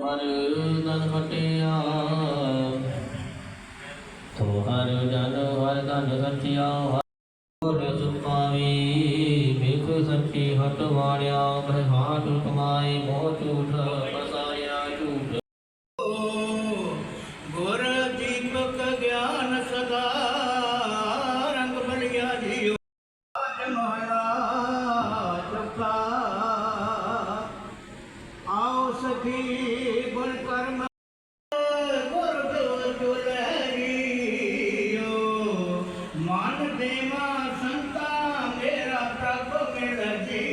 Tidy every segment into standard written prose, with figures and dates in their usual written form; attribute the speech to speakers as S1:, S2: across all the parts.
S1: ਹਰ ਤਨ ਖਟਿਆ ਤੋ ਹਰ ਜਨ ਹਰ ਤਨ ਸੱਚਿਆ ਹਰ ਸੁਪਾਵੀ ਬਿਖ ਸੱਚੀ ਹਟ ਵਾੜਿਆ ਬ੍ਰਹਾਟ ਕਮਾਏ ਮੋਹ ਝੂਠ ਪਸਾਰਿਆ ਝੂਠ ਗੁਰ ਦੀਪਕ ਗਿਆਨ ਸਦਾ ਰੰਗ ਬਲਿਆ ਜੀਓ ਮਹਾਰਾਜ ਜਪਾ आओ सखी गुण कर्म गुर जो लहरियो मान देवा संता मेरा प्रभु मिल जी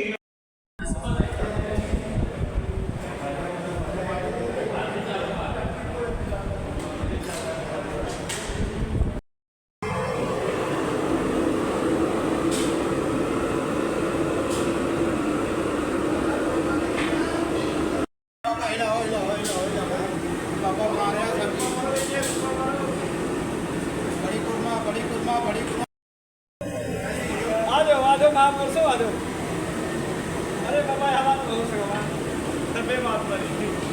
S2: महापुरुष आ जाओ। अरे बाबा यहाँ बात हो सका तबे बात बनी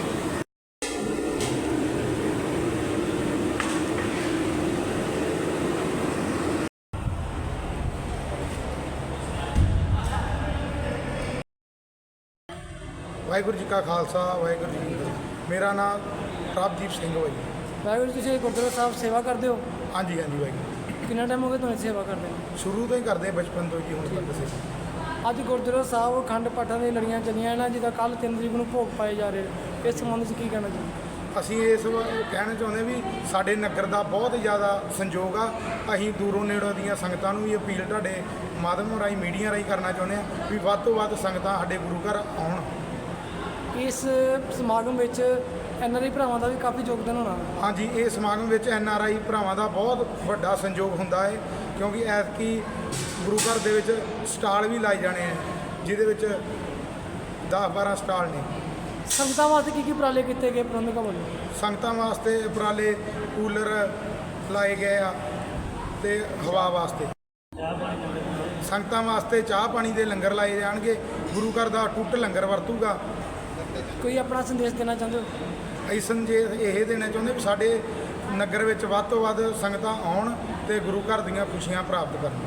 S3: ਵਾਹਿਗੁਰੂ ਜੀ ਕਾ ਖਾਲਸਾ ਵਾਹਿਗੁਰੂ ਜੀ ਕੀ ਫਤਿਹ। ਮੇਰਾ ਨਾਮ ਪ੍ਰਭਦੀਪ ਸਿੰਘ ਹੈ ਜੀ।
S2: ਵਾਹਿਗੁਰੂ ਤੁਸੀਂ ਗੁਰਦੁਆਰਾ ਸਾਹਿਬ ਸੇਵਾ ਕਰਦੇ ਹੋ?
S3: ਹਾਂਜੀ ਹਾਂਜੀ ਵਾਹਿਗੁਰੂ।
S2: ਕਿੰਨਾ ਟਾਈਮ ਹੋ ਗਿਆ ਤੁਹਾਨੂੰ ਸੇਵਾ ਕਰਦੇ ਨੂੰ?
S3: ਸ਼ੁਰੂ ਤੋਂ ਹੀ ਕਰਦੇ ਬਚਪਨ ਤੋਂ ਜੀ ਹੁਣ ਤੱਕ ਸੇਵਾ।
S2: ਅੱਜ ਗੁਰਦੁਆਰਾ ਸਾਹਿਬ ਅਖੰਡ ਪਾਠਾਂ ਦੀਆਂ ਲੜੀਆਂ ਚੱਲੀਆਂ ਨਾ, ਜਿਹਦਾ ਕੱਲ੍ਹ 3 ਤਰੀਕ ਨੂੰ ਭੋਗ ਪਾਏ ਜਾ ਰਹੇ, ਇਸ ਸੰਬੰਧ 'ਚ ਕੀ ਕਹਿਣਾ ਚਾਹੁੰਦੇ?
S3: ਅਸੀਂ ਇਸ ਕਹਿਣਾ ਚਾਹੁੰਦੇ ਵੀ ਸਾਡੇ ਨਗਰ ਦਾ ਬਹੁਤ ਜ਼ਿਆਦਾ ਸੰਯੋਗ ਆ। ਅਸੀਂ ਦੂਰੋਂ ਨੇੜੋਂ ਦੀਆਂ ਸੰਗਤਾਂ ਨੂੰ ਵੀ ਅਪੀਲ ਤੁਹਾਡੇ ਮਾਧਿਅਮ ਰਾਹੀਂ ਮੀਡੀਆ ਰਾਹੀਂ ਕਰਨਾ ਚਾਹੁੰਦੇ ਹਾਂ ਵੀ ਵੱਧ ਤੋਂ ਵੱਧ ਸੰਗਤਾਂ ਸਾਡੇ ਗੁਰੂ ਘਰ ਆਉਣ।
S2: ਇਸ ਸਮਾਗਮ ਵਿੱਚ NRI ਭਰਾਵਾਂ ਦਾ ਵੀ ਕਾਫੀ ਯੋਗਦਾਨ ਹੋਣਾ।
S3: ਹਾਂਜੀ, ਇਹ ਸਮਾਗਮ ਵਿੱਚ NRI ਭਰਾਵਾਂ ਦਾ ਬਹੁਤ ਵੱਡਾ ਸੰਯੋਗ ਹੁੰਦਾ ਹੈ ਕਿਉਂਕਿ ਐਤਕੀ ਗੁਰੂ ਘਰ ਦੇ ਵਿੱਚ ਸਟਾਲ ਵੀ ਲਾਏ ਜਾਣੇ ਆ, ਜਿਹਦੇ ਵਿੱਚ 10-12 ਸਟਾਲ ਨੇ।
S2: ਸੰਗਤਾਂ ਵਾਸਤੇ ਕੀ ਉਪਰਾਲੇ ਕੀਤੇ ਗਏ ਪ੍ਰਬੰਧਕਾਂ ਵੱਲੋਂ?
S3: ਸੰਗਤਾਂ ਵਾਸਤੇ ਉਪਰਾਲੇ ਕੂਲਰ ਲਾਏ ਗਏ ਆ ਤੇ ਹਵਾ ਵਾਸਤੇ ਸੰਗਤਾਂ ਵਾਸਤੇ ਚਾਹ ਪਾਣੀ ਦੇ ਲੰਗਰ ਲਾਏ ਜਾਣਗੇ। ਗੁਰੂ ਘਰ ਦਾ ਟੁੱਟ ਲੰਗਰ ਵਰਤੂਗਾ।
S2: ਕੋਈ ਆਪਣਾ ਸੰਦੇਸ਼ ਦੇਣਾ ਚਾਹੁੰਦੇ ਹੋ?
S3: ਅਸੀਂ ਸੰਦੇਸ਼ ਇਹ ਦੇਣਾ ਚਾਹੁੰਦੇ ਵੀ ਸਾਡੇ ਨਗਰ ਵਿੱਚ ਵੱਧ ਤੋਂ ਵੱਧ ਸੰਗਤਾਂ ਆਉਣ ਤੇ ਗੁਰੂ ਘਰ ਦੀਆਂ ਖੁਸ਼ੀਆਂ ਪ੍ਰਾਪਤ ਕਰਨ।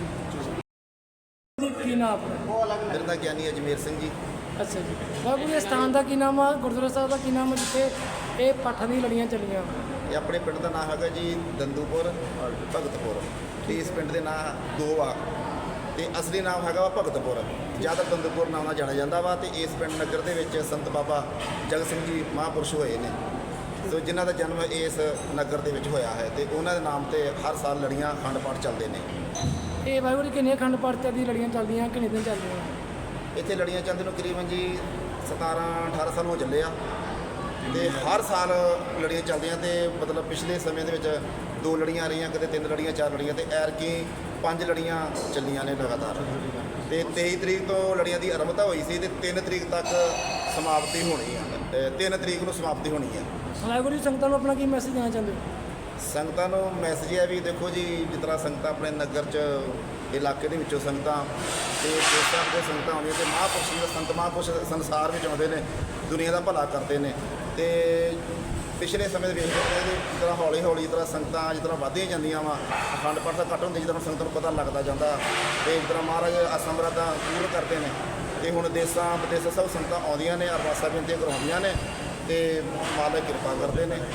S2: ਕੀ ਨਾਮ ਆਪਣਾ?
S4: ਮੇਰਾ ਨਾਂ ਗਿਆਨੀ ਅਜਮੇਰ ਸਿੰਘ ਜੀ।
S2: ਅੱਛਾ ਜੀ। ਬਾਬੂ ਇਸ ਸਥਾਨ ਦਾ ਕੀ ਨਾਮ ਆ? ਗੁਰਦੁਆਰਾ ਸਾਹਿਬ ਦਾ ਕੀ ਨਾਮ ਆ ਜਿੱਥੇ ਇਹ ਪਾਠਾਂ ਦੀਆਂ ਲੜੀਆਂ ਚੱਲੀਆਂ?
S4: ਇਹ ਆਪਣੇ ਪਿੰਡ ਦਾ ਨਾਮ ਹੈਗਾ ਜੀ ਦੰਦੂਪੁਰ ਭਗਤਪੁਰ। ਤੇ ਇਸ ਪਿੰਡ ਦੇ ਨਾਂ ਦੋ ਆ ਤੇ ਅਸਲੀ ਨਾਮ ਹੈਗਾ ਵਾ ਭਗਤਪੁਰ। ਜ਼ਿਆਦਾ ਦੰਦੂਪੁਰ ਨਾਮ ਨਾਲ ਜਾਣਿਆ ਜਾਂਦਾ ਵਾ। ਤੇ ਇਸ ਪਿੰਡ ਨਗਰ ਦੇ ਵਿੱਚ ਸੰਤ ਬਾਬਾ ਜਗਤ ਸਿੰਘ ਜੀ ਮਹਾਂਪੁਰਸ਼ ਹੋਏ ਨੇ, ਸੋ ਜਿਨ੍ਹਾਂ ਦਾ ਜਨਮ ਇਸ ਨਗਰ ਦੇ ਵਿੱਚ ਹੋਇਆ ਹੈ ਤੇ ਉਹਨਾਂ ਦੇ ਨਾਮ ਤੇ ਹਰ ਸਾਲ ਲੜੀਆਂ ਅਖੰਡ ਪਾਠ ਚੱਲਦੇ ਨੇ।
S2: ਇਹ ਵਾਹਿਗੁਰੂ ਕਿੰਨੇ ਅਖੰਡ ਪਾਠ ਦੀ ਲੜੀਆਂ ਚੱਲਦੀਆਂ, ਕਿੰਨੇ ਦਿਨ ਚੱਲਦੀਆਂ?
S4: ਇੱਥੇ ਲੜੀਆਂ ਚੱਲਦੇ ਨੂੰ ਤਕਰੀਬਨ ਜੀ 17-18 ਸਾਲ ਹੋ ਚੱਲੇ ਆ ਤੇ ਹਰ ਸਾਲ ਲੜੀਆਂ ਚੱਲਦੀਆਂ। ਤੇ ਮਤਲਬ ਪਿਛਲੇ ਸਮੇਂ ਦੇ ਵਿੱਚ 2 ਲੜੀਆਂ ਰਹੀਆਂ, ਕਦੇ 3 ਲੜੀਆਂ 4 ਲੜੀਆਂ ਤੇ ਐਰਕੀ 5 ਲੜੀਆਂ ਚੱਲੀਆਂ ਨੇ ਲਗਾਤਾਰ। ਤੇ 23 ਤਰੀਕ ਤੋਂ ਲੜੀਆਂ ਦੀ ਆਰੰਭਤਾ ਹੋਈ ਸੀ ਤੇ 3 ਤਰੀਕ ਤੱਕ ਸਮਾਪਤੀ ਹੋਣੀ ਆ। 3 ਤਰੀਕ ਨੂੰ ਸਮਾਪਤੀ ਹੋਣੀ ਹੈ।
S2: ਵਾਹਿਗੁਰੂ ਜੀ ਸੰਗਤਾਂ ਨੂੰ ਆਪਣਾ ਕੀ ਮੈਸੇਜ ਦੇਣਾ ਚਾਹੁੰਦੇ ਹੋ?
S4: ਸੰਗਤਾਂ ਨੂੰ ਮੈਸੇਜ ਹੈ ਵੀ ਦੇਖੋ ਜੀ, ਜਿਸ ਤਰ੍ਹਾਂ ਸੰਗਤਾਂ ਆਪਣੇ ਨਗਰ 'ਚ ਇਲਾਕੇ ਦੇ ਵਿੱਚੋਂ ਸੰਗਤਾਂ ਤੇ ਦੇਸ਼ਾਂ ਦੇ ਸੰਗਤਾਂ ਆਉਂਦੀਆਂ ਤੇ ਮਹਾਂਪੁਰਸ਼ ਦੇ ਸੰਤ ਮਹਾਂਪੁਰਸ਼ ਸੰਸਾਰ ਵਿੱਚ ਆਉਂਦੇ ਨੇ, ਦੁਨੀਆ ਦਾ ਭਲਾ ਕਰਦੇ ਨੇ। ਤੇ ਪਿਛਲੇ ਸਮੇਂ ਦੇ ਵਿੱਚ ਜਿਸ ਤਰ੍ਹਾਂ ਹੌਲੀ ਹੌਲੀ ਜਿਸ ਤਰ੍ਹਾਂ ਸੰਗਤਾਂ ਜਿਸ ਤਰ੍ਹਾਂ ਵੱਧਦੀਆਂ ਜਾਂਦੀਆਂ ਵਾ, ਅਖੰਡ ਪਾਠ ਦਾ ਘੱਟ ਹੁੰਦੀ ਜਿਸ ਤਰ੍ਹਾਂ ਸੰਗਤਾਂ ਨੂੰ ਪਤਾ ਲੱਗਦਾ ਜਾਂਦਾ ਤੇ ਜਿਸ ਤਰ੍ਹਾਂ ਮਹਾਰਾਜ ਅਸਮਰੱਥਾ ਪੂਰਨ ਕਰਦੇ ਨੇ। ਤੇ ਹੁਣ ਦੇਸਾਂ ਵਿਦੇਸਾਂ ਸਭ ਸੰਗਤਾਂ ਆਉਂਦੀਆਂ ਨੇ, ਅਰਦਾਸਾਂ ਬੇਨਤੀਆਂ ਕਰਵਾਉਂਦੀਆਂ ਨੇ ਤੇ ਮਾਲਕ ਕਿਰਪਾ ਕਰਦੇ ਨੇ।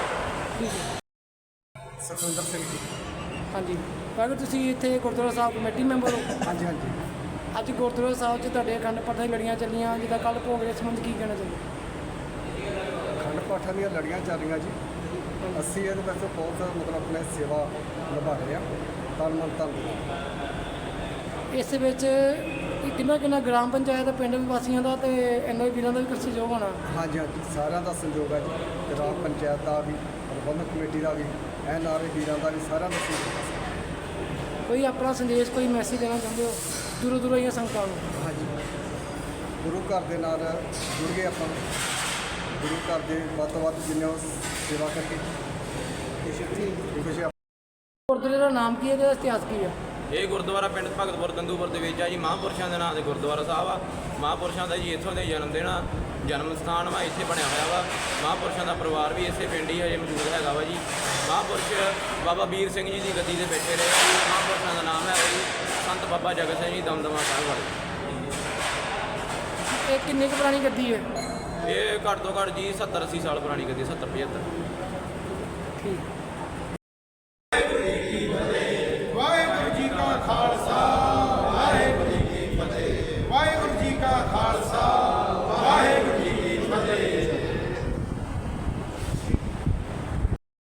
S3: ਸੁਖਵਿੰਦਰ ਸਿੰਘ ਜੀ।
S2: ਹਾਂਜੀ ਵਾਹਿਗੁਰੂ, ਤੁਸੀਂ ਇੱਥੇ ਗੁਰਦੁਆਰਾ ਸਾਹਿਬ ਕਮੇਟੀ ਮੈਂਬਰ ਹੋ?
S3: ਹਾਂਜੀ ਹਾਂਜੀ।
S2: ਅੱਜ ਗੁਰਦੁਆਰਾ ਸਾਹਿਬ 'ਚ ਤੁਹਾਡੇ ਅਖੰਡ ਪਾਠਾਂ ਦੀਆਂ ਲੜੀਆਂ ਚੱਲੀਆਂ, ਜਿੱਦਾਂ ਕੱਲ੍ਹ ਭੋਗ ਦੇ ਸੰਬੰਧ ਕੀ ਕਹਿਣਾ ਚਾਹੁੰਦੇ?
S5: ਅਖੰਡ ਪਾਠਾਂ ਦੀਆਂ ਲੜੀਆਂ ਚੱਲ ਰਹੀਆਂ ਜੀ। ਅਸੀਂ ਇਹਦੇ ਵਿੱਚ ਬਹੁਤ ਮਤਲਬ ਆਪਣੇ ਸੇਵਾ ਨਿਭਾ ਰਹੇ ਹਾਂ ਤਨ ਮਨ ਧਨ ਦੇ।
S2: ਇਸ ਵਿੱਚ ਕਿੰਨਾ ਗ੍ਰਾਮ ਪੰਚਾਇਤ ਪਿੰਡ ਵਾਸੀਆਂ ਦਾ ਤੇ NRI ਵੀਰਾਂ ਦਾ ਵੀ ਕੁਝ ਸਹਿਯੋਗ ਹੋਣਾ?
S5: ਹਾਂਜੀ ਹਾਂਜੀ, ਸਾਰਿਆਂ ਦਾ ਸੰਯੋਗ ਹੈ ਜੀ। ਗ੍ਰਾਮ ਪੰਚਾਇਤ ਦਾ ਵੀ, ਪ੍ਰਬੰਧਕ ਕਮੇਟੀ ਦਾ ਵੀ, NRI ਵੀਰਾਂ ਦਾ ਵੀ, ਸਾਰਿਆਂ ਦਾ ਸੰਯੋਗ।
S2: ਕੋਈ ਆਪਣਾ ਸੰਦੇਸ਼, ਕੋਈ ਮੈਸੇਜ ਦੇਣਾ ਚਾਹੁੰਦੇ ਹੋ ਦੂਰੋਂ ਦੂਰੋਂ ਆਈਆਂ ਸੰਗਤਾਂ ਨੂੰ?
S5: ਹਾਂਜੀ, ਗੁਰੂ ਘਰ ਦੇ ਨਾਲ ਜੁੜ ਗਏ ਆਪਾਂ। ਗੁਰੂ ਘਰ ਦੇ ਵੱਧ ਤੋਂ ਵੱਧ ਜਿੰਨੇ ਉਹ ਸੇਵਾ ਕਰਕੇ ਖੁਸ਼ੀ
S2: ਗੁਰਦੁਆਰੇ ਦਾ ਨਾਮ ਕੀ ਹੈ, ਇਹਦਾ ਇਤਿਹਾਸ ਕੀ ਹੈ?
S6: ਇਹ ਗੁਰਦੁਆਰਾ ਪਿੰਡ ਭਗਤਪੁਰ ਗੰਦੂਪੁਰ ਦੇ ਵਿੱਚ ਆ ਜੀ। ਮਹਾਂਪੁਰਸ਼ਾਂ ਦੇ ਨਾਂ ਦੇ ਗੁਰਦੁਆਰਾ ਸਾਹਿਬ ਆ। ਮਹਾਂਪੁਰਸ਼ਾਂ ਦਾ ਜੀ ਇੱਥੋਂ ਦੇ ਜਨਮ ਦਿਨ ਆ, ਜਨਮ ਸਥਾਨ ਵਾ, ਇੱਥੇ ਬਣਿਆ ਹੋਇਆ ਵਾ। ਮਹਾਂਪੁਰਸ਼ਾਂ ਦਾ ਪਰਿਵਾਰ ਵੀ ਇਸੇ ਪਿੰਡ ਹੀ ਹਜੇ ਮੌਜੂਦ ਹੈਗਾ ਵਾ ਜੀ। ਮਹਾਂਪੁਰਸ਼ ਬਾਬਾ ਵੀਰ ਸਿੰਘ ਜੀ ਦੀ ਗੱਦੀ ਤੇ ਬੈਠੇ ਰਹੇ ਆ ਜੀ। ਮਹਾਂਪੁਰਸ਼ਾਂ ਦਾ ਨਾਮ ਹੈ ਜੀ ਸੰਤ ਬਾਬਾ ਜਗਤ ਸਿੰਘ ਜੀ ਦਮਦਮਾ ਸਾਹਿਬ ਵਾਲੇ।
S2: ਇਹ ਕਿੰਨੀ ਕੁ ਪੁਰਾਣੀ ਗੱਦੀ ਹੈ?
S6: ਇਹ ਘੱਟ ਤੋਂ ਘੱਟ ਜੀ 70-80 ਸਾਲ ਪੁਰਾਣੀ ਗੱਦੀ, 70-75।
S2: ਠੀਕ